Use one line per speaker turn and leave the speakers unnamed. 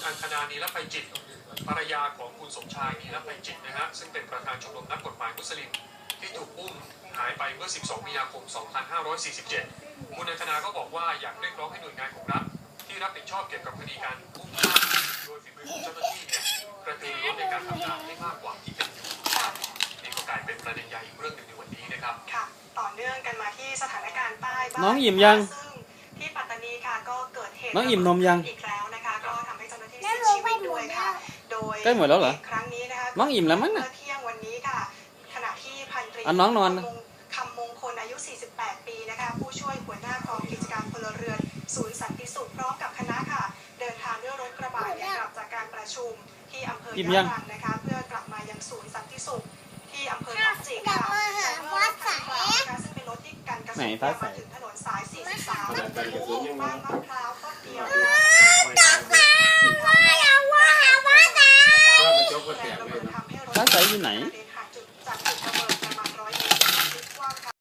อังคณา นีรภัยจิตภรรยาของคุณสมชาย นีรภัยจิตนะฮะซึ่งเป็นประธานชมรมนักกฎหมายมุสลิมที่ถูกอุ้มหายไปเมื่อ 12 มีนาคม 2547 คุณอังคณาก็บอกว่าอยากเรียกร้องให้หน่วยงานของรัฐที่รับผิดชอบเกี่ยวกับคดีการอุ้มฆ่าโดยฝีมือของเจ้าหน้าที่เนี่ยกระตือรือร้นในการทำงานให้มากกว่าที่เป็นอยู่นี่ก็กลายเป็นประเด็นใหญ่อีกเรื่องหนึ่งในวันนี้นะครับ
ค่ะต่อเนื่องกันมาที่สถานการณ์ใต้บ้าง
น้องอิ่มยัง
ซึ่งที่ปัตตานีค่ะก็เกิดเหตุ
น้องอิ่มนมยัง
อีกแล้วนะคะก็ทำให้เจ้าหน้าที่เสียชีวิตด้วยค่ะโดย
ใกล้หมดแล้วเหรอ
ครั้งนี้นะคะ
น้องอิ่มแล้วมั้งน่ะ
เที่ยงวันนี้ค่ะขณะที่พันตรี
น้องนอน
คำมงคลอายุ 48 ปีนะคะผู้ช่วยหัวหน้ากองกิจการพลเรือนศูนย์สันติสุขพร้อมกับคณะค่ะเดินทางด้วยรถกระบะเนี่ยกลับจากการประชุมที่อำเภอยะรังนะคะเพื่อกลับมายังศูนย์สันติสุขที่อำเภอหนองจิกค่ะแต่เมื่อรถคันกล่าวนะคะซึ่งเป็นรถที่กันกระสุนมาถึงถนนสาย 43 บ้านมะพร้าวต้นเดียวนะคะ
ร้านใสอยู่ไหน
จากจุดระเบิด